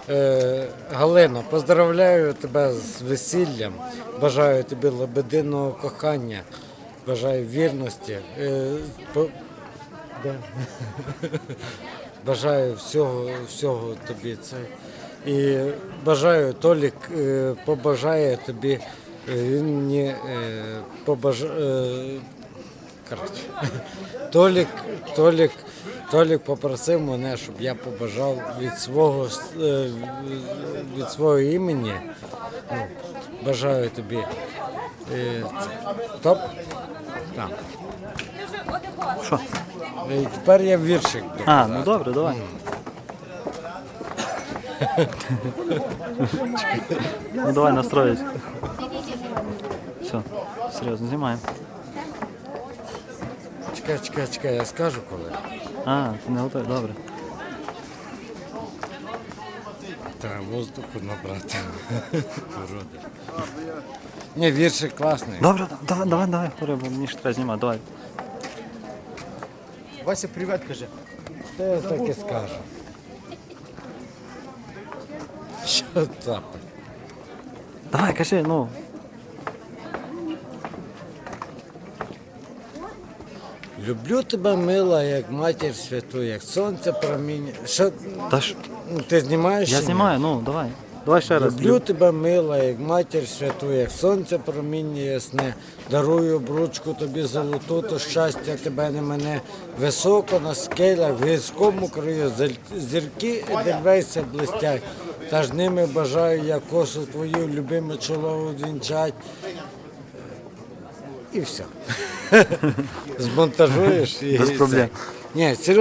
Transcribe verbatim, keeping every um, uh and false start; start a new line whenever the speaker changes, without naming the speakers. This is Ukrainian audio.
Е, Галина, поздравляю тебе з весіллям, бажаю тобі лебединого кохання, бажаю вірності, е, по- да. Бажаю всього, всього тобі це. І бажаю, Толік е, побажає тобі, е, він мені е, побажає. Коротше. Толік, Толік, Толік попросив мене, щоб я побажав від свого, е, від свого імені. Ну, бажаю тобі. Е, це. Топ? Там.
Що?
І тепер я віршик
А,
доказав.
ну добре, давай. Ну давай настроїть. Все, серйозно, знімаємо.
Чекай, чекай, чекай, я скажу коли.
А, ти не готовий, добре.
Треба воздуху набрати. Уроди. Ні, віршик класний.
Добре, давай, давай, давай, говори, бо мені ж треба знімати, давай.
Вася, привіт, каже.
Та я так і скажу. Що там?
Давай, кажи, ну.
Люблю тебе, мила, як матір святу, як сонце проміння. Що?
Та ж,
Ну, ти знімаєш?
я
чи ні?
знімаю, ну, давай. Давай ще раз.
Люблю тебе, мила, як матір святу, як сонце проміння ясне. Дарую обручку тобі золоту, то щастя тебе не мене. Високо на скелях, в гірському краю, зель- зірки Едельвейса блистять. Та ж ними бажаю я косу твою, любиме чоло увінчать. І все. Змонтажуєш і
Без проблем.
це. Ні, серйозно.